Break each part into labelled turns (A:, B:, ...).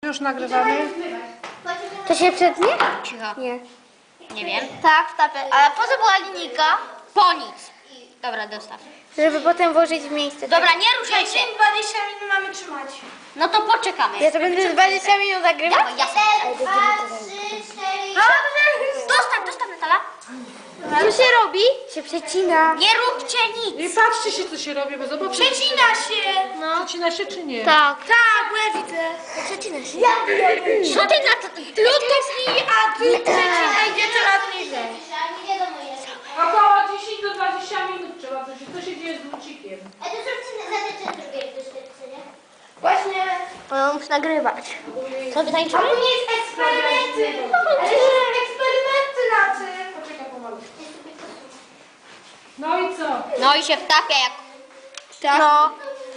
A: Już nagrywamy.
B: To się przetnie?
C: Cicho.
B: Nie.
C: Nie wiem.
B: Tak, wtapę. Ale po co była linijka?
C: Po nic. Dobra, dostaw.
B: Żeby potem włożyć w miejsce.
C: Dobra, nie ruszaj się.
D: 20 minut mamy trzymać.
C: No to poczekamy.
B: Ja to będę 20 minut nagrywać?
C: Dawaj, jasne.
D: 2, 3, 4.
C: Dostaw Natala.
B: Co się robi? Się przecina.
C: Nie róbcie nic.
A: I patrzcie się, co się robi, bo zobaczcie.
D: Przecina się.
A: Przecina się czy nie?
B: Tak.
D: Tak, bo ja widzę.
B: Przecina się.
C: Co ty na to?
D: Lutowni, a ty przecina idzie coraz niżej.
A: Około 10 do 20 minut trzeba coś. Co się dzieje z lucikiem?
D: Właśnie.
B: No, muszę nagrywać.
C: Co wy tańczymy?
D: To nie jest eksperymenty. Ale są eksperymenty na tym.
A: Poczekaj pomalu. No i co?
C: No i się wtapia jak...
B: No.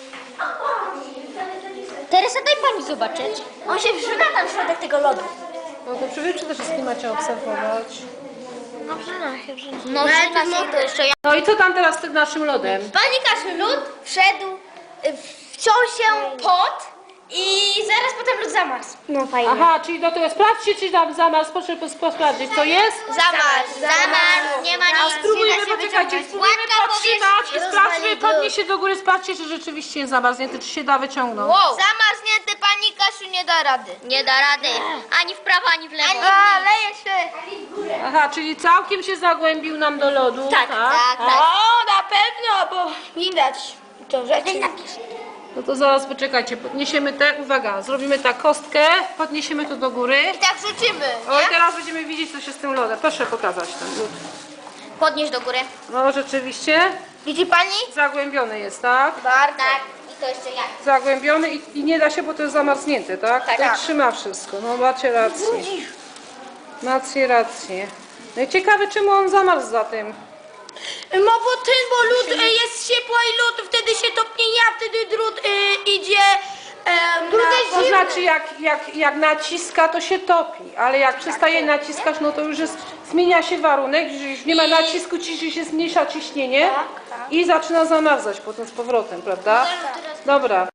C: Teresa, daj pani zobaczyć.
B: On się wrzuca na środek tego lodu.
A: No to przede wszystkim macie obserwować.
B: No przyna się, przyna.
C: No, przyna się to jeszcze ja.
A: No i co tam teraz z tym naszym lodem?
B: Pani Kasiu, lód wszedł, wciął się pot i zaraz potem lód zamarzł. No fajnie.
A: Aha, czyli do tego sprawdźcie, czy tam zamarzł, proszę sprawdzić, co jest?
C: Zamarzł, nie ma nic.
A: Spróbujmy, poczekajcie, spróbujmy
C: Łatka
A: podtrzymać,
C: powierzchni.
A: sprawdźmy, podnieś się do góry, sprawdźcie, czy rzeczywiście jest zamarznięty, czy się da wyciągnąć.
C: Wow.
B: Zamarznięty pani Kasiu nie da rady.
C: Nie da rady. Ani w prawo, ani w lewo.
B: Leje się.
A: Aha, czyli całkiem się zagłębił nam do lodu.
C: Tak.
D: O, na pewno, bo widać to rzeczy.
A: No to zaraz poczekajcie, podniesiemy te, uwaga, zrobimy tak kostkę, podniesiemy to do góry.
B: I tak rzucimy.
A: O i teraz będziemy widzieć, co się z tym lodem. Proszę pokazać ten lód.
C: Podnieś do góry.
A: No rzeczywiście,
B: Widzi pani?
A: zagłębiony jest, tak?
B: Bardzo.
C: Tak. I to jeszcze jak?
A: Zagłębiony i nie da się, bo to jest zamarznięte, tak?
B: Tak.
A: I trzyma wszystko, no macie rację. Macie rację. No i ciekawe, czemu on zamarzł za tym.
D: No bo lód jest ciepła i lód wtedy się topnieje, a wtedy drut idzie na...
A: To znaczy, jak naciska, to się topi, ale jak przestaje naciskać, no to już jest, zmienia się warunek, już nie ma nacisku, się zmniejsza ciśnienie i zaczyna zamarzać potem z powrotem, prawda? Dobra.